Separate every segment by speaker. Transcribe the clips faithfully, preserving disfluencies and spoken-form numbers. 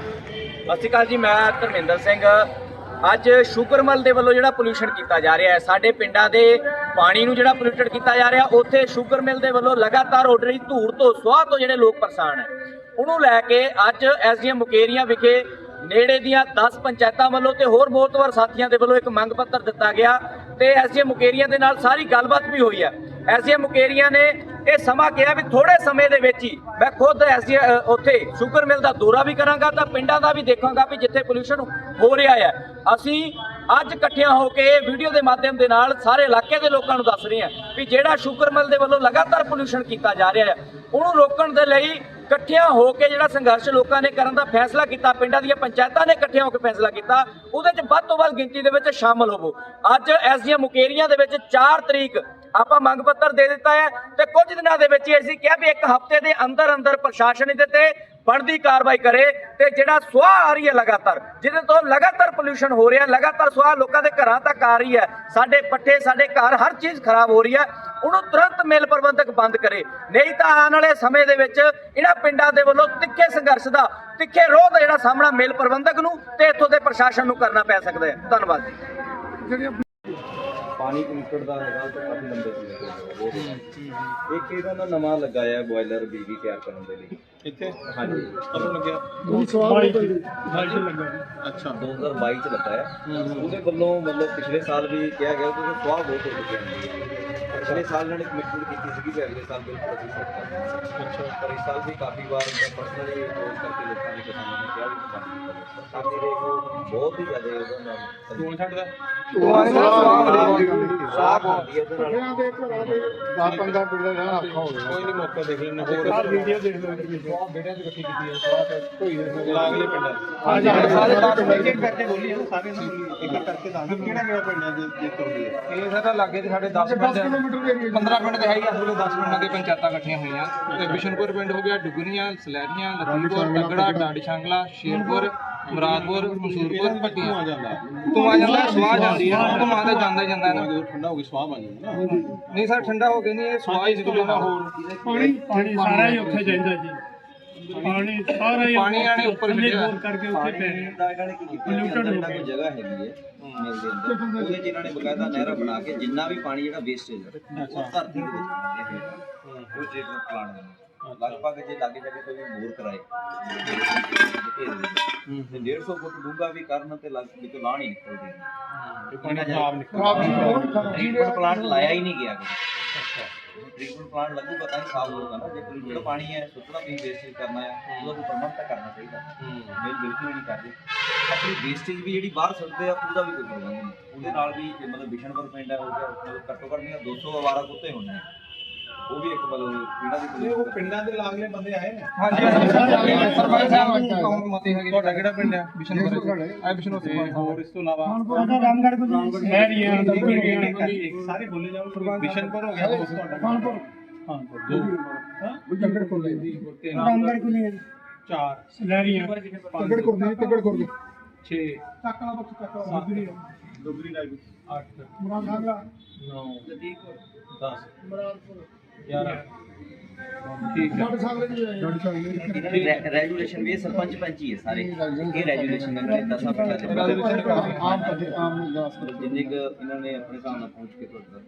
Speaker 1: ਸਤਿ ਸ਼੍ਰੀ ਅਕਾਲ ਜੀ, ਮੈਂ ਧਰਮਿੰਦਰ ਸਿੰਘ। ਅੱਜ ਸ਼ੂਗਰਮਲ ਦੇ ਵੱਲੋਂ ਜਿਹੜਾ ਪੋਲਿਊਸ਼ਨ ਕੀਤਾ ਜਾ ਰਿਹਾ ਹੈ, ਸਾਡੇ ਪਿੰਡਾਂ ਦੇ ਪਾਣੀ ਨੂੰ ਜਿਹੜਾ ਪੋਲਿਊਟਡ ਕੀਤਾ ਜਾ ਰਿਹਾ, ਉੱਥੇ ਸ਼ੂਗਰ ਮਿਲ ਦੇ ਵੱਲੋਂ ਲਗਾਤਾਰ ਉੱਡ ਰਹੀ ਧੂੜ ਤੋਂ ਸੁਆਹ ਤੋਂ ਜਿਹੜੇ ਲੋਕ ਪਰੇਸ਼ਾਨ ਹੈ, ਉਹਨੂੰ ਲੈ ਕੇ ਅੱਜ ਐਸਡੀਐਮ ਮੁਕੇਰੀਆਂ ਵਿਖੇ ਨੇੜੇ ਦੀਆਂ ਦਸ ਪੰਚਾਇਤਾਂ ਵੱਲੋਂ ਤੇ ਹੋਰ ਮੋਹਤਵਰ ਸਾਥੀਆਂ ਦੇ ਵੱਲੋਂ ਇੱਕ ਮੰਗ ਪੱਤਰ ਦਿੱਤਾ ਗਿਆ ਤੇ ਐਸਡੀਐਮ ਮੁਕੇਰੀਆਂ ਦੇ ਨਾਲ ਸਾਰੀ ਗੱਲਬਾਤ ਵੀ ਹੋਈ ਹੈ। ਐਸਡੀਐਮ ਮੁਕੇਰੀਆਂ ਨੇ ਇਹ ਸਮਾਂ ਕਿਹਾ ਵੀ ਥੋੜੇ ਸਮੇਂ ਦੇ ਵਿੱਚ ਹੀ ਮੈਂ ਖੁਦ ਐਸਡੀ ਉੱਥੇ ਸ਼ੂਗਰ ਮਿਲ ਦਾ ਦੌਰਾ ਵੀ ਕਰਾਂਗਾ ਤਾਂ ਪਿੰਡਾਂ ਦਾ ਵੀ ਦੇਖਾਂਗਾ ਵੀ ਜਿੱਥੇ ਪੋਲਿਊਸ਼ਨ ਹੋ ਰਿਹਾ ਹੈ। ਅਸੀਂ ਅੱਜ ਇਕੱਠਿਆਂ ਹੋ ਕੇ ਇਹ ਵੀਡੀਓ ਦੇ ਮਾਧਿਅਮ ਦੇ ਨਾਲ ਸਾਰੇ ਇਲਾਕੇ ਦੇ ਲੋਕਾਂ ਨੂੰ ਦੱਸ ਰਹੇ ਹਾਂ ਵੀ ਜਿਹੜਾ ਸ਼ੂਗਰ ਮਿਲ ਦੇ ਵੱਲੋਂ ਲਗਾਤਾਰ ਪੋਲਿਊਸ਼ਨ ਕੀਤਾ ਜਾ ਰਿਹਾ ਹੈ, ਉਹਨੂੰ ਰੋਕਣ ਦੇ ਲਈ ਇਕੱਠਿਆਂ ਹੋ ਕੇ ਜਿਹੜਾ ਸੰਘਰਸ਼ ਲੋਕਾਂ ਨੇ ਕਰਨ ਦਾ ਫੈਸਲਾ ਕੀਤਾ, ਪਿੰਡਾਂ ਦੀਆਂ ਪੰਚਾਇਤਾਂ ਨੇ ਇਕੱਠਿਆਂ ਹੋ ਕੇ ਫੈਸਲਾ ਕੀਤਾ, ਉਹਦੇ 'ਚ ਵੱਧ ਤੋਂ ਵੱਧ ਗਿਣਤੀ ਦੇ ਵਿੱਚ ਸ਼ਾਮਲ ਹੋਵੋ। ਅੱਜ ਐਸਡੀਐਮ ਮੁਕੇਰੀਆਂ ਦੇ ਵਿੱਚ ਚਾਰ ਤਰੀਕ ਆਪਾਂ ਮੰਗ ਪੱਤਰ ਦੇ ਦਿੱਤਾ ਹੈ ਤੇ ਕੁਝ ਦਿਨਾਂ ਦੇ ਵਿੱਚ ਹੀ ਅਸੀਂ ਕਿਹਾ ਵੀ ਇੱਕ ਹਫ਼ਤੇ ਦੇ ਅੰਦਰ ਅੰਦਰ ਪ੍ਰਸ਼ਾਸਨ ਇਹਦੇ ਤੇ ਬਣਦੀ ਕਾਰਵਾਈ ਕਰੇ ਤੇ ਜਿਹੜਾ ਸੁਆਹ ਆ ਰਹੀ ਹੈ ਲਗਾਤਾਰ, ਜਿਹਦੇ ਤੋਂ ਲਗਾਤਾਰ ਪੋਲਿਊਸ਼ਨ ਹੋ ਰਿਹਾ, ਲਗਾਤਾਰ ਸੁਆਹ ਲੋਕਾਂ ਦੇ ਘਰਾਂ ਤੱਕ ਆ ਰਹੀ ਹੈ, ਸਾਡੇ ਪੱਠੇ ਸਾਡੇ ਘਰ ਹਰ ਚੀਜ਼ ਖਰਾਬ ਹੋ ਰਹੀ ਹੈ, ਉਹਨੂੰ ਤੁਰੰਤ ਮਿਲ ਪ੍ਰਬੰਧਕ ਬੰਦ ਕਰੇ, ਨਹੀਂ ਤਾਂ ਆਉਣ ਵਾਲੇ ਸਮੇਂ ਦੇ ਵਿੱਚ ਇਹਨਾਂ ਪਿੰਡਾਂ ਦੇ ਵੱਲੋਂ ਤਿੱਖੇ ਸੰਘਰਸ਼ ਦਾ ਤਿੱਖੇ ਰੋਹ ਦਾ ਜਿਹੜਾ ਸਾਹਮਣਾ ਮਿਲ ਪ੍ਰਬੰਧਕ ਨੂੰ ਤੇ ਇੱਥੋਂ ਦੇ ਪ੍ਰਸ਼ਾਸਨ ਨੂੰ ਕਰਨਾ ਪੈ ਸਕਦਾ ਹੈ। ਧੰਨਵਾਦ ਜੀ।
Speaker 2: ਪਾਣੀ ਪੋਲਿਊਟਡ ਦਾ ਹੈਗਾ ਤਾਂ ਕਾਫੀ ਲੰਬੇ ਸਮੇਂ ਤੋਂ ਇੱਕ ਇਹਦਾ ਨਾ ਨਵਾਂ ਲਗਾਇਆ ਬੋਇਲਰ ਬਿਜਲੀ ਤਿਆਰ ਕਰਨ ਦੇ ਲਈ ਇੱਥੇ। ਹਾਂਜੀ, ਕਦੋਂ ਲੱਗਿਆ? ਦੋ ਹਜ਼ਾਰ ਬਾਈ ਅੱਛਾ ਦੋ ਹਜ਼ਾਰ ਬਾਈ ਚ ਲੱਗਾ ਹੈ। ਉਹਦੇ ਵੱਲੋਂ ਮਤਲਬ ਪਿਛਲੇ ਸਾਲ ਵੀ ਕਿਹਾ ਗਿਆ ਕਿ ਸੁਆਹ ਬਹੁਤ ਹੋ ਚੁੱਕੀ ਹੈ। ਪਿਛਲੇ ਸਾਲ ਇਹਨਾਂ ਨੇ ਕਮਿਟਮੈਂਟ ਕੀਤੀ ਸੀ ਕਿ ਅਗਲੇ ਸਾਲ ਬਿਲਕੁਲ ਅਸੀਂ ਸੈੱਟ ਕਰਾਂਗੇ। ਅੱਛਾ, ਪਰ ਇਸ ਸਾਲ ਵੀ ਕਾਫੀ ਵਾਰ ਪਰਸਨਲੀ ਫੋਨ ਕਰਕੇ ਲੋਕਾਂ ਨੇ ਕਿਸਾਨਾਂ ਨੇ ਕਿਹਾ ਵੀ ਕੰਮ ਕਰੋ। ਸਾਡੀ ਦੇਖ ਲਓ ਬਹੁਤ ਹੀ ਜ਼ਿਆਦਾ ਉਹਦਾ ਨਾਲ ਧੂਆਂ ਛੱਡਦਾ ਸਾਫ ਹੁੰਦੀ ਹੈ ਉਹਦੇ ਨਾਲ ਦਸ ਪੰਦਰਾਂ ਪਿੰਡਾਂ ਰਹਿਣਾ ਔਖਾ ਹੋ ਗਿਆ। ਕੋਈ ਨਹੀਂ ਮੌਕਾ ਦੇਖ ਲੈਣਾ, ਹੋਰ ਵੀਡੀਓ ਦੇਖ ਲਓ ਬਹੁਤ ਬੇਟਿਆਂ ਦੀ ਇਕੱਠੀ ਕੀਤੀ ਹੈ ਸਵਾਹ ਧੋਈ ਦੇ ਲਾਗਲੇ ਪਿੰਡਾਂ ਹਾਂ ਜੀ ਸਾਰੇ ਦਸ ਇੱਕ ਕਰਕੇ ਬੋਲੀ ਇਹਨੂੰ ਸਾਰੇ ਨੂੰ ਬੋਲੀ ਇੱਕ ਕਰਕੇ ਦੱਸ ਕਿਹੜਾ ਕਿਹੜਾ ਪਿੰਡਾਂ ਦੇ ਜਿੱਤ ਹੁੰਦੀ ਹੈ। ਇਹ ਸਾਡਾ ਲਾਗੇ ਤੇ ਸਾਡੇ ਦਸ ਪਿੰਡ ਪੰਦਰਾਂ ਪਿੰਡ ਤੇ ਹੈ ਹੀ ਆ। ਪੂਰੇ ਦਸ ਪਿੰਡਾਂ ਦੇ ਪੰਚਾਇਤਾਂ ਇਕੱਠੀਆਂ ਹੋਈਆਂ ਤੇ ਬਿਸ਼ਨਪੁਰ ਪਿੰਡ ਹੋ ਗਿਆ, ਡੁਗਰੀਆਂ, ਸਲੈਰੀਆਂ, ਲਖੀਪੁਰ, ਤਗੜਾ, ਡਾਡੀ ਸ਼ਾਂਗਲਾ, ਸ਼ੇਰਪੁਰ, ਮੁਰਾਦਪੁਰ, ਮਸੂਰਪੁਰ, ਭੱਟੀਆਂ ਆ ਜਾਂਦਾ ਤੂੰ ਆ ਜਾਂਦਾ ਸਵਾਹ ਜਾਂਦੀ ਹੈ ਧੂਆਂ ਤੇ ਜਾਂਦਾ ਹੀ ਜਾਂਦਾ ਨਾ। ਜਦੋਂ ਠੰਡਾ ਹੋ ਗਈ ਸਵਾਹ ਬਣ ਜਾਂਦੀ ਨਾ। ਨਹੀਂ ਸਰ ਠੰਡਾ ਹੋ ਕੇ ਨਹੀਂ, ਇਹ ਸਵਾਹ ਹੀ ਨਿਕਲਦਾ ਨਾ। ਹੋਰ
Speaker 3: ਪਾਣੀ ਪਾਣੀ ਸਾਰਾ ਹੀ ਉੱਥੇ ਜਾਂਦਾ ਜੀ, ਪਾਣੀ ਸਾਰਾ ਹੀ
Speaker 2: ਪਾਣੀ ਆਣੇ ਉੱਪਰ
Speaker 3: ਹੋਰ ਕਰਕੇ ਉੱਥੇ ਪੈ ਰਿਹਾ।
Speaker 2: ਇਹਨਾਂ ਨੇ ਕੀ ਕੀਤਾ, ਇਹਨਾਂ ਕੋਲ ਜਗ੍ਹਾ ਹੈਗੀ ਹੈ ਮਿਲ ਦੇ ਅੰਦਰ, ਉਹਦੇ 'ਚ ਇਹਨਾਂ ਨੇ ਬਕਾਇਦਾ ਨਹਿਰਾਂ ਬਣਾ ਕੇ ਜਿੰਨਾ ਵੀ ਪਾਣੀ ਜਿਹੜਾ ਵੇਸਟੇਜ ਹੈ ਉਹ ਧਰਤੀ ਦੇ ਵਿੱਚ ਪਾਉਂਦੇ ਹੈ। ਉਹ ਟ੍ਰੀਟਮੈਂਟ ਪਲਾਂਟ ਦੇ ਲਗਭਗ ਜੇ ਲਾਗੇ ਜਾ ਕੇ ਕੋਈ ਬੋਰ ਕਰਾਏ ਤੇ ਡੇਢ ਸੌ ਫੁੱਟ ਡੂੰਘਾ ਵੀ ਕਰਨ ਤੇ ਲੱਗ ਵਿੱਚੋਂ ਲਾਹ ਨਹੀਂ ਨਿਕਲਦੀ। ਪਾਣੀ ਖਰਾਬ ਨਿਕਲਦਾ, ਟ੍ਰੀਟਮੈਂਟ ਪਲਾਂਟ ਲਾਇਆ ਹੀ ਨਹੀਂ ਗਿਆ। ਅੱਛਾ, ਟ੍ਰੀਟਮੈਂਟ ਪਲਾਂਟ ਲੱਗੂਗਾ ਤਾਂ ਹੀ ਸਾਫ਼ ਹੋਊਗਾ ਨਾ। ਜੇ ਕੋਈ ਜਿਹੜਾ ਪਾਣੀ ਹੈ ਸੁੱਟਣਾ ਵੀ ਵੇਸਟੇਜ ਕਰਨਾ ਹੈ, ਉਹਦਾ ਕੋਈ ਪ੍ਰਬੰਧ ਤਾਂ ਕਰਨਾ ਚਾਹੀਦਾ। ਮੇਲ ਬਿਲਕੁਲ ਹੀ ਨਹੀਂ ਕਰਦੇ। ਆਪਣੀ ਵੇਸਟੇਜ ਵੀ ਜਿਹੜੀ ਬਾਹਰ ਸੁੱਟਦੇ ਆ ਉਹਦਾ ਵੀ ਕੋਈ ਪ੍ਰਬੰਧ ਨਹੀਂ। ਉਹਦੇ ਨਾਲ ਵੀ ਮਤਲਬ ਬਿਸ਼ਨਪੁਰ ਪਿੰਡ ਹੈ ਹੋ ਗਿਆ, ਮਤਲਬ ਘੱਟੋ ਘੱਟ ਦੀਆਂ ਦੋ ਸੌ ਅਵਾਰਾ ਕੁੱਤੇ ਹੁੰਦੇ ਨੇ, ਉਹ ਵੀ ਇੱਕ ਮਤਲਬ ਇਹਨਾਂ ਦੀ ਉਹ ਪਿੰਡਾਂ ਦੇ ਲਾਗਲੇ ਬੰਦੇ ਆਏ ਨੇ। ਹਾਂਜੀ ਸਰਪੰਚ ਸਾਹਿਬ ਮਤੇ ਹੈਗੇ। ਤੁਹਾਡਾ ਕਿਹੜਾ ਪਿੰਡ ਹੈ? ਬਿਸ਼ਨਪੁਰ ਆ ਬਿਸ਼ਨਪੁਰ। ਹੋਰ ਇਸ ਤੋਂ ਇਲਾਵਾ
Speaker 3: ਰਾਮਗੜ੍ਹ ਕੋਲ ਸ਼ਹਿਰੀਆਂ
Speaker 2: ਸਾਰੇ ਬੋਲੇ ਜਾਓ। ਬਿਸ਼ਨਪੁਰ ਹੋ ਗਿਆ ਤੁਹਾਡਾ ਕਾਨਪੁਰ। ਹਾਂ ਦੋ ਹਾਂ ਜੰਗੜ ਕੋਲ ਦੀ
Speaker 3: ਰਾਮਗੜ੍ਹ ਕੋਲ
Speaker 2: ਚਾਰ
Speaker 3: ਸਲੈਰੀਆਂ
Speaker 4: ਤਗੜ ਕੋਲ ਤਗੜ ਕੋਲ
Speaker 2: ਛੇ
Speaker 4: ਚੱਕਲਾ ਬਖ ਚੱਕਲਾ ਦੁਗਰੀ
Speaker 2: ਦੁਗਰੀ ਲਾਈ ਅੱਠ
Speaker 4: ਮੁਰਾਦ ਨਾਗਲਾ
Speaker 2: ਨੌ ਦਸ
Speaker 4: ਮੁਰਾਦਪੁਰ
Speaker 2: ਗਿਆਰਾਂ ਠੀਕ ਹੈ।
Speaker 4: ਡਾਡ ਸਾਗਲੇ ਜੀ ਆਏ ਡਾਡ ਸਾਗਲੇ
Speaker 1: ਰੈਜੂਲੇਸ਼ਨ ਵੀ ਸਰਪੰਚ ਪੰਚ ਹੀ ਹੈ ਸਾਰੇ, ਇਹ ਰੈਜੂਲੇਸ਼ਨ ਨੇ ਦਸਾਂ ਪਿੰਡਾਂ ਦੇ
Speaker 4: ਆਮ ਪਦੇ ਆਮ ਦਾਸ
Speaker 1: ਜਿੰਨੇ ਕੁ ਇਹਨਾਂ ਨੇ ਆਪਣੇ ਹਿਸਾਬ ਨਾਲ ਪਹੁੰਚ ਕੇ ਤੁਹਾਡਾ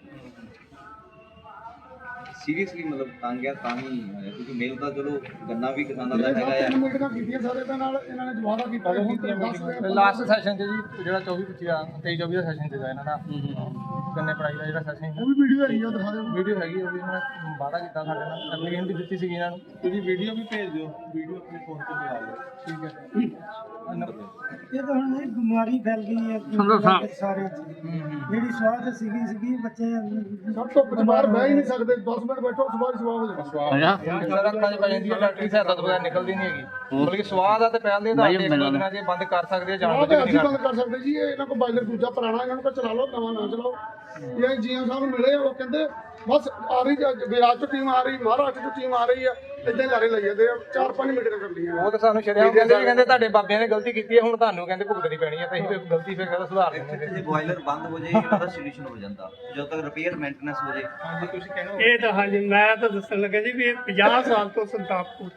Speaker 1: ਸੀਰੀਅਸਲੀ ਮਤਲਬ ਤੰਗ ਹੈ ਤਾਂ ਹੀ ਹੋਇਆ, ਕਿਉਂਕਿ ਮੇਲ ਤਾਂ ਚਲੋ ਗੰਨਾ ਵੀ ਕਿਸਾਨਾਂ ਦਾ ਹੈਗਾ ਆ।
Speaker 4: ਮੀਟਿੰਗਾਂ ਕੀਤੀਆਂ ਸਾਰੇ ਦੇ ਨਾਲ ਇਹਨਾਂ ਨੇ ਜਵਾਦਾ ਕੀਤਾ
Speaker 3: ਲਾਸਟ ਸੈਸ਼ਨ ਤੇ ਜੀ ਜਿਹੜਾ ਚੌਵੀ ਪੱਚੀ ਆ ਤੇਈ ਚੌਵੀ ਦਾ ਸੈਸ਼ਨ ਸੀਗਾ ਇਹਨਾਂ ਦਾ ਗੰਨੇ ਪੜਾਈ ਦਾ ਜਿਹੜਾ ਸੈਸ਼ਨ
Speaker 4: ਉਹ ਵੀ ਵੀਡੀਓ ਹੈਗੀ ਆ, ਦਿਖਾ ਦਿਓ
Speaker 3: ਵੀਡੀਓ ਹੈਗੀ, ਉਹ ਵੀ ਇਹਨਾਂ ਨੇ ਵਾਅਦਾ ਕੀਤਾ ਸਾਡੇ ਨਾਲ, ਐਪਲੀਕੇਸ਼ਨ ਵੀ ਦਿੱਤੀ ਸੀਗੀ ਇਹਨਾਂ ਨੂੰ।
Speaker 2: ਤੁਸੀਂ ਵੀਡੀਓ ਵੀ ਭੇਜ ਦਿਓ, ਵੀਡੀਓ ਆਪਣੇ ਫੋਨ ਤੇ ਬਣਾ ਲਓ।
Speaker 3: ਠੀਕ ਹੈ।
Speaker 5: ਇਹ ਤਾਂ ਹੁਣ ਇਹ ਬਿਮਾਰੀ ਫੈਲ ਗਈ ਹੈ ਸਾਰੇ ਜਿਹੜੀ ਸਵਾਹ ਤੇ ਸੀਗੀ ਸੀਗੀ ਬੱਚੇ
Speaker 4: ਸਭ ਤੋਂ ਬਾਹਰ ਬਹਿ ਹੀ ਨਹੀਂ ਸਕਦੇ, ਦਸ ਮਿੰਟ ਬੈਠੋ ਸਵਾਲ ਸਵਾਲ ਹੋ ਜਾਣਾ।
Speaker 3: ਸਾਰਾ ਅੱਖਾਂ 'ਚ ਪੈ ਜਾਂਦੀ ਹੈ, ਡਾਕਟਰੀ ਸਹਾਇਤਾ ਤੋਂ ਬਗੈਰ ਨਿਕਲਦੀ ਨਹੀਂ ਹੈਗੀ। ਬਲਕਿ ਸਵਾਹ ਦਾ ਤੇ ਪਹਿਲ ਦੇ ਆਧਾਰ ਤੇ ਇੱਕ ਦੋ ਦਿਨਾਂ 'ਚ ਬੰਦ ਕਰ ਸਕਦੇ ਆ, ਜਾਣ ਬੁੱਝ ਕੇ
Speaker 4: ਅਸੀਂ ਬੰਦ ਕਰ ਸਕਦੇ ਜੀ। ਇਹ ਇਹਨਾਂ ਕੋਲ ਬਾਇਲਰ ਦੂਜਾ ਪੁਰਾਣਾ, ਇਹਨਾਂ ਨੂੰ ਕਹ ਚਲਾ ਲਓ, ਨਵਾਂ ਨਾ ਚਲਾਓ। ਇਹ ਜੀਐਮ ਸਾਹਿਬ ਨੂੰ ਮਿਲੇ, ਉਹ ਕਹਿੰਦੇ ਬਸ ਆ ਰਹੀ ਵਿਰਾਜ ਤੋਂ ਟੀਮ ਆ ਰਹੀ, ਮਹਾਰਾਸ਼ਟਰ ਤੋਂ ਟੀਮ ਆ ਰਹੀ ਆ, ਇਦਾਂ ਹੀ ਲਾਰੇ ਲਈ ਜਾਂਦੇ ਆ। ਚਾਰ ਪੰਜ ਮੀਟਿੰਗਾਂ ਕਰਦੀਆਂ
Speaker 3: ਉਹ ਤਾਂ ਸਾਨੂੰ ਸ਼ਰਿਆਮ ਕਹਿੰਦੇ ਵੀ ਕਹਿੰਦੇ ਤੁਹਾਡੇ ਬਾਬਿਆਂ ਨੇ ਗਲਤੀ ਕੀਤੀ ਹੈ, ਹੁਣ ਤੁਹਾਨੂੰ ਕਹਿੰਦੇ ਭੁਗਤਣੀ ਪੈਣੀ ਹੈ, ਤਾਂ ਅਸੀਂ ਗਲਤੀ ਫਿਰ ਕਹਿੰਦਾ ਸੁਧਾਰ ਦਿੰਦੇ।
Speaker 1: ਜੇ ਬੋਇਲਰ ਬੰਦ ਹੋ ਜਾਏ ਇਹਦਾ ਸੋਲੂਸ਼ਨ ਹੋ ਜਾਂਦਾ, ਜਦੋਂ ਤੱਕ ਰਿਪੇਅਰ ਮੇਨਟੇਨੈਂਸ ਹੋ ਜਾਏ।
Speaker 3: ਤੁਸੀਂ ਕਹਿੰਦੇ ਇਹ ਤਾਂ ਹਾਂਜੀ, ਮੈਂ ਤਾਂ ਦੱਸਣ ਲੱਗਾ ਜੀ ਵੀ ਇਹ ਪੰਜਾਹ ਸਾਲ ਤੋਂ ਸੰਤਾਪ ਕੋਟ ਹੈ।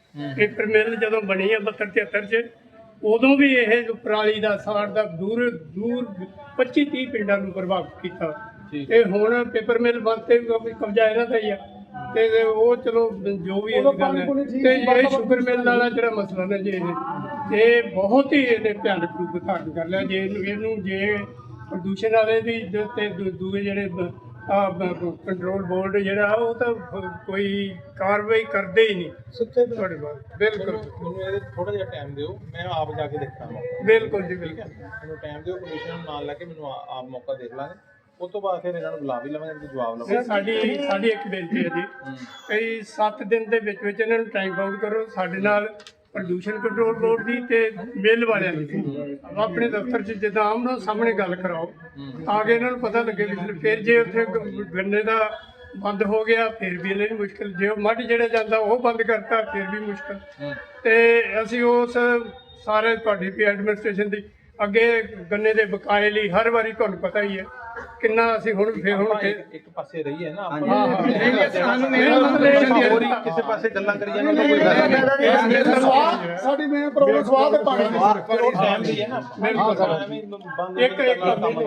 Speaker 6: ਪੇਪਰ ਮਿਲ ਜਦੋਂ ਬਣੀ ਆ ਬਹੱਤਰ ਤਿਹੱਤਰ ਚ, ਉਦੋਂ ਵੀ ਇਹ ਪਰਾਲੀ ਦਾ ਸਾੜ ਦਾ ਦੂਰ ਦੂਰ ਪੱਚੀ ਤੀਹ ਪਿੰਡਾਂ ਨੂੰ ਪ੍ਰਭਾਵਿਤ ਕੀਤਾ। ਤੇ ਹੁਣ ਪੇਪਰ ਮਿਲ ਬੰਦ ਤੇ ਕਬਜ਼ਾ ਇਹਨਾਂ ਦਾ ਹੀ ਆ, ਤੇ ਉਹ ਚਲੋ ਜੋ ਵੀ ਇਹ ਗੱਲ ਹੈ। ਤੇ ਇਹ ਸ਼ੂਗਰ ਮਿਲ ਵਾਲਾ ਜਿਹੜਾ ਮਸਲਾ ਨਾ ਜੀ, ਇਹ ਇਹ ਬਹੁਤ ਹੀ ਇਹਨੇ ਭਿਆਨਕ ਰੂਪ ਧਾਰਨ ਕਰ ਲਿਆ। ਜੇ ਇਹਨੂੰ ਇਹਨੂੰ ਜੇ ਪ੍ਰਦੂਸ਼ਣ ਵਾਲੇ ਦੀ ਤੇ ਦੂ- ਦੂਏ ਜਿਹੜੇ ਕੰਟਰੋਲ ਬੋਰਡ ਜਿਹੜਾ ਉਹ ਤਾਂ ਕੋਈ ਕਾਰਵਾਈ ਕਰਦੇ ਹੀ ਨਹੀਂ ਸੁੱਤੇ ਤੁਹਾਡੇ ਬਾਅਦ। ਬਿਲਕੁਲ
Speaker 2: ਮੈਨੂੰ ਇਹਦੇ ਥੋੜਾ ਜਿਹਾ ਟਾਈਮ ਦਿਓ, ਮੈਂ ਆਪ ਜਾ ਕੇ ਦੇਖਾਂਗਾ।
Speaker 6: ਬਿਲਕੁਲ ਜੀ ਬਿਲਕੁਲ।
Speaker 2: ਮੈਨੂੰ ਟਾਈਮ ਦਿਓ, ਕਮਿਸ਼ਨ ਨੂੰ ਨਾਲ ਲੈ ਕੇ ਮੈਨੂੰ ਆ- ਆਪ ਮੌਕਾ ਦੇਖ ਲਾਂਗੇ। ਉਸ ਤੋਂ ਬਾਅਦ ਫਿਰ ਇਹਨਾਂ ਨੂੰ ਬੁਲਾ ਵੀ ਲਵਾਂਗੇ ਤੇ ਜਵਾਬ ਲਵਾਂਗੇ।
Speaker 6: ਸਾਡੀ ਸਾਡੀ ਇੱਕ ਬੇਨਤੀ ਹੈ ਜੀ, ਕਈ ਸੱਤ ਦਿਨ ਦੇ ਵਿੱਚ ਵਿੱਚ ਇਹਨਾਂ ਨੂੰ ਟਾਈਮ ਬਾਉਂਡ ਕਰੋ। ਸਾਡੇ ਨਾਲ ਪ੍ਰਦੂਸ਼ਣ ਕੰਟਰੋਲ ਬੋਰਡ ਦੀ ਤੇ ਮਿੱਲ ਵਾਲਿਆਂ ਦੀ ਆਪਣੇ ਦਫ਼ਤਰ 'ਚ ਜਿੱਦਾਂ ਆਮਨੋ ਸਾਹਮਣੇ ਗੱਲ ਕਰਾਓ, ਤਾਂ ਕਿ ਇਹਨਾਂ ਨੂੰ ਪਤਾ ਲੱਗੇ ਵੀ ਫਿਰ ਜੇ ਉੱਥੇ ਗ- ਗੰਨੇ ਦਾ ਬੰਦ ਹੋ ਗਿਆ ਫਿਰ ਵੀ ਇਹਨਾਂ ਨੂੰ ਮੁਸ਼ਕਲ, ਜੇ ਉਹ ਮੱਝ ਜਿਹੜਾ ਜਾਂਦਾ ਉਹ ਬੰਦ ਕਰਤਾ ਫਿਰ ਵੀ ਮੁਸ਼ਕਲ। ਤੇ ਅਸੀਂ ਉਸ ਸਾਰੇ ਤੁਹਾਡੀ ਵੀ ਐਡਮਿਨਿਸਟ੍ਰੇਸ਼ਨ ਦੀ ਅੱਗੇ ਗੰਨੇ ਦੇ ਬਕਾਏ ਲਈ ਹਰ ਵਾਰੀ ਤੁਹਾਨੂੰ ਪਤਾ ਹੀ ਹੈ ਕਿੰਨਾ ਅਸੀਂ ਹੁਣ ਫਿਰ ਹੁਣ
Speaker 2: ਆਪਾਂ
Speaker 6: ਕਿ-
Speaker 2: ਇੱਕ ਇੱਕ ਪਾਸੇ ਰਹੀਏ ਨਾ
Speaker 6: ਹਾਂ ਹਾਂ ਸਾਨੂੰ ਮੇਰੇ
Speaker 2: ਹੋਰ ਹੀ ਕਿਸੇ ਪਾਸੇ ਗੱਲਾਂ ਕਰੀ ਜਾਂਦੇ ਤਾਂ ਕੋਈ ਫਾਇਦਾ ਨਹੀਂ।
Speaker 4: ਸਵਾਦ ਸਾਡੀ ਮੇਨ ਪ੍ਰੋਬਲਮ ਸਵਾਦ ਤੇ ਪਾਣੀ ਦੀ।
Speaker 2: ਪਰ ਉਹ ਟਾਈਮ ਦੀ ਹੈ ਨਾ, ਐਵੇਂ ਬੰਦ
Speaker 6: ਇੱਕ ਇੱਕ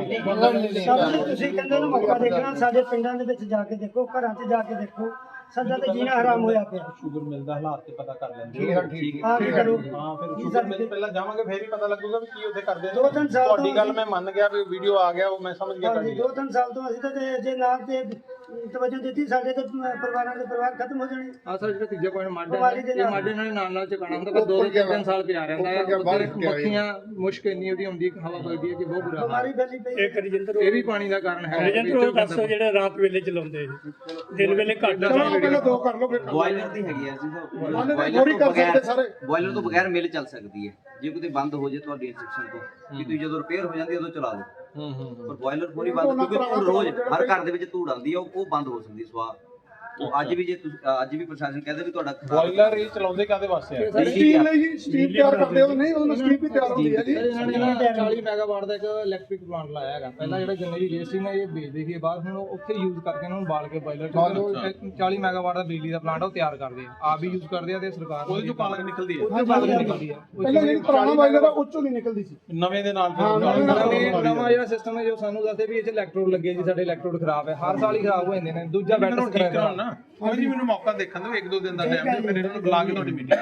Speaker 5: ਸਭ ਨੂੰ ਤੁਸੀਂ ਕਹਿੰਦੇ ਨਾ ਮੌਕਾ ਦੇਖਣਾ, ਸਾਡੇ ਪਿੰਡਾਂ ਦੇ ਵਿੱਚ ਜਾ ਕੇ ਦੇਖੋ, ਘਰਾਂ 'ਚ ਜਾ ਕੇ ਦੇਖੋ, ਸਾਡਾ ਤੇ ਜੀਣਾ ਹਰਾਮ ਹੋਇਆ ਪਿਆ।
Speaker 2: ਸ਼ੂਗਰ ਮਿਲ ਦਾ ਹਾਲਾਤ ਤੇ ਪਤਾ ਕਰ ਲੈਂਦੇ
Speaker 1: ਠੀਕ ਹੈ, ਠੀਕ ਹੈ।
Speaker 5: ਆ ਕੇ ਕਰੋ।
Speaker 2: ਹਾਂ, ਫਿਰ ਸ਼ੂਗਰ ਮਿਲ ਪਹਿਲਾਂ ਜਾਵਾਂਗੇ ਫੇਰ ਹੀ ਪਤਾ ਲੱਗੂਗਾ ਵੀ ਕੀ ਉੱਥੇ ਕਰਦੇ
Speaker 5: ਦੋ ਤਿੰਨ ਸਾਲ ਤੋਂ
Speaker 2: ਤੁਹਾਡੀ ਗੱਲ ਮੈਂ ਮੰਨ ਗਿਆ ਵੀ ਵੀਡੀਓ ਆ ਗਿਆ, ਉਹ ਮੈਂ ਸਮਝ ਗਿਆ
Speaker 5: ਹਾਂਜੀ,
Speaker 2: ਤੁਹਾਡੀ
Speaker 5: ਦੋ ਤਿੰਨ ਸਾਲ ਤੋਂ ਅਸੀਂ ਤਾਂ ਜੇ ਜੇ ਨਾ ਤੇ ਤਵੱਜੋ ਦਿੱਤੀ, ਸਾਡੇ ਤੇ ਪਰਿਵਾਰਾਂ ਦੇ ਪਰਿਵਾਰ ਖਤਮ ਹੋ ਜਾਣੇ।
Speaker 3: ਆ ਸਰ ਜਿਹੜਾ ਤੀਜਾ ਪੁਆਇੰਟ ਮਾਡੇ
Speaker 5: ਬਿਮਾਰੀ ਦੇ
Speaker 3: ਇਹ
Speaker 5: ਨਾਲ।
Speaker 3: ਮਾਡੇ ਨਾਲ ਨਾਲ ਨਾਲ ਚਕਾਣਾ ਹੁੰਦਾ, ਪਰ ਦੋ ਦੋ ਤਿੰਨ ਤਿੰਨ ਸਾਲ ਪਿਆ ਰਹਿੰਦਾ ਹੈ। ਉੱਧਰ ਮੱਖੀਆਂ ਮੁਸ਼ਕ ਇੰਨੀ ਉਹਦੀ ਆਉਂਦੀ ਹਵਾ ਵਗਦੀ ਹੈ ਕਿ ਬਹੁਤ ਬੁਰਾ ਹਾਲ
Speaker 5: ਬਿਮਾਰੀ
Speaker 3: ਹੈ।
Speaker 5: ਫੈਲੀ ਪਈ।
Speaker 6: ਇੱਕ ਰਜਿੰਦਰ
Speaker 3: ਇਹ ਵੀ ਪਾਣੀ ਦਾ ਕਾਰਨ ਹੈ।
Speaker 6: ਰਜਿੰਦਰ ਉਹ ਦੱਸੋ ਜਿਹੜਾ ਰਾਤ ਵੇਲੇ ਚਲਾਉਂਦੇ ਦਿਨ ਵੇਲੇ ਘੱਟ
Speaker 4: ਚਲੋ ਪਹਿਲਾਂ ਦੋ ਕਰ ਲਓ ਫਿਰ
Speaker 7: ਬੋਇਲਰ ਦੀ ਹੈਗੀ ਹੈ ਜੀ
Speaker 4: ਉਹਨੇ
Speaker 7: ਬੋਇਲਰ
Speaker 4: ਥੋੜੀ
Speaker 7: ਤੋਂ
Speaker 4: ਕਰ
Speaker 7: ਬਗੈਰ
Speaker 4: ਸਕਦੇ ਸਾਰੇ।
Speaker 7: ਬੋਇਲਰ ਤੋਂ ਬਗੈਰ ਮਿਲ ਚੱਲ ਸਕਦੀ ਹੈ। ਜੇ ਕਿਤੇ ਬੰਦ ਹੋ ਜੇ ਤੁਹਾਡੀ ਇੰਸਟਰਕਸ਼ਨ ਤੋਂ ਕਿ ਤੁਸੀਂ ਜਦੋਂ ਰਿਪੇਅਰ ਹੋ ਜਾਂਦੀ ਹੈ ਉਦੋਂ ਚਲਾ ਲਓ।
Speaker 2: ਹੂੰ ਹੂੰ
Speaker 7: ਪਰ ਬੋਇਲਰ ਪੂਰੀ ਬੰਦ, ਕਿਉਂਕਿ ਧੂੜ ਰੋਜ਼ ਹਰ ਘਰ ਦੇ ਵਿੱਚ ਧੂੜ ਆਉਂਦੀ ਹੈ, ਉਹ ਉਹ ਬੰਦ ਹੋ ਸਕਦੀ ਸਵਾਹ। ਉਹ ਅੱਜ ਵੀ ਜੇ ਤੁਸੀਂ ਅੱਜ ਵੀ ਪ੍ਰਸ਼ਾਸਨ ਕਹਿੰਦੇ ਵੀ ਤੁਹਾਡਾ ਖਰਾਬ
Speaker 2: ਬੋਇਲਰ ਇਹ ਚਲਾਉਂਦੇ ਕਾਦੇ ਵਾਸਤੇ ਆ?
Speaker 4: ਸਟੀਮ ਲਈ ਜੀ ਸਟੀਮ ਤਿਆਰ ਕਰਦੇ ਹੋ ਨਹੀਂ, ਉਹਨਾਂ ਸਟੀਮ ਵੀ ਤਿਆਰ ਹੁੰਦੀ ਹੈ ਜੀ।
Speaker 3: ਇਹਨਾਂ ਨੇ ਨਾ ਚਾਲੀ ਮੈਗਾਵਾਟ ਦਾ ਇੱਕ ਇਲੈਕਟ੍ਰਿਕ ਪਲਾਂਟ ਲਾਇਆ ਹੈਗਾ। ਪਹਿਲਾਂ ਜਿਹੜਾ ਗੰਨੇ ਦੀ ਵੇਸਟ ਸੀ ਨਾ ਇਹ ਵੇਚਦੇ ਸੀ, ਬਾਅਦ ਹੁਣ ਉੱਥੇ ਯੂਜ਼ ਕਰਕੇ ਇਹਨਾਂ ਨੂੰ ਬਾਲ ਕੇ ਬਾਇਲਰ ਚ ਚਾਲੀ ਮੈਗਾਵਾਟ ਦਾ ਬਿਜਲੀ ਦਾ ਪਲਾਂਟ ਉਹ ਤਿਆਰ ਕਰਦੇ ਆ, ਆਪ ਵੀ ਯੂਜ਼ ਕਰਦੇ ਆ ਤੇ ਸਰਕਾਰ
Speaker 2: ਉਹਦੇ ਚੋਂ ਪਾਲਕ ਨਿਕਲਦੀ ਹੈ,
Speaker 3: ਉਹਦੇ ਬਾਅਦ ਨਿਕਲਦੀ ਆ।
Speaker 4: ਪਹਿਲਾਂ ਜਿਹੜੀ ਪੁਰਾਣਾ ਬਾਈਲਰ ਆ ਉਹ ਚੋਂ ਨਹੀਂ ਨਿਕਲਦੀ ਸੀ।
Speaker 2: ਨਵੇਂ ਦੇ ਨਾਲ
Speaker 4: ਹਾਂ, ਨਵੇਂ ਨਾਲ।
Speaker 3: ਨਵੇਂ ਨਵਾਂ ਜਿਹੜਾ ਸਿਸਟਮ ਹੈ ਜੋ ਸਾਨੂੰ ਦੱਸਦੇ ਵੀ ਇਹ ਚ ਇਲੈਕਟ੍ਰੋਡ ਲੱਗੇ ਜੀ, ਸਾਡੇ ਇਲੈਕਟ੍ਰੋਡ ਖਰਾਬ ਹੈ, ਹਰ ਸਾਲ ਹੀ ਖਰਾਬ ਹੋ ਜਾਂਦੇ ਨੇ। ਦੂਜਾ ਬੈਟਰ
Speaker 2: ਮੈਨੂੰ ਠੀਕ ਕਰਾਉਣ ਨਾ, ਕੋਈ ਨਹੀਂ ਮੈਨੂੰ ਮੌਕਾ ਦੇਖਣ ਦਿਓ, ਇੱਕ ਦੋ ਦਿਨ ਦਾ ਟਾਈਮ ਦਿਓ, ਫਿਰ ਇਹਨਾਂ ਨੂੰ ਬੁਲਾ ਕੇ ਤੁਹਾਡੀ ਮੀਟਿੰਗ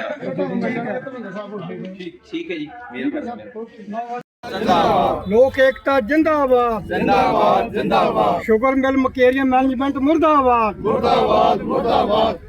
Speaker 7: ਠੀਕ ਠੀਕ ਹੈ ਜੀ, ਮੇਰਾ ਬਸ
Speaker 5: ਲੋਕ ਏਕਤਾ ਜਿੰਦਾਬਾਦ ਜਿੰਦਾਬਾਦ ਜਿੰਦਾਬਾਦ। ਸ਼ੂਗਰ ਮਿਲ ਮਕੇਰੀਆ ਮੈਨੇਜਮੈਂਟ ਮੁਰਦਾਬਾਦ ਮੁਰਦਾਬਾਦ ਮੁਰਦਾਬਾਦ।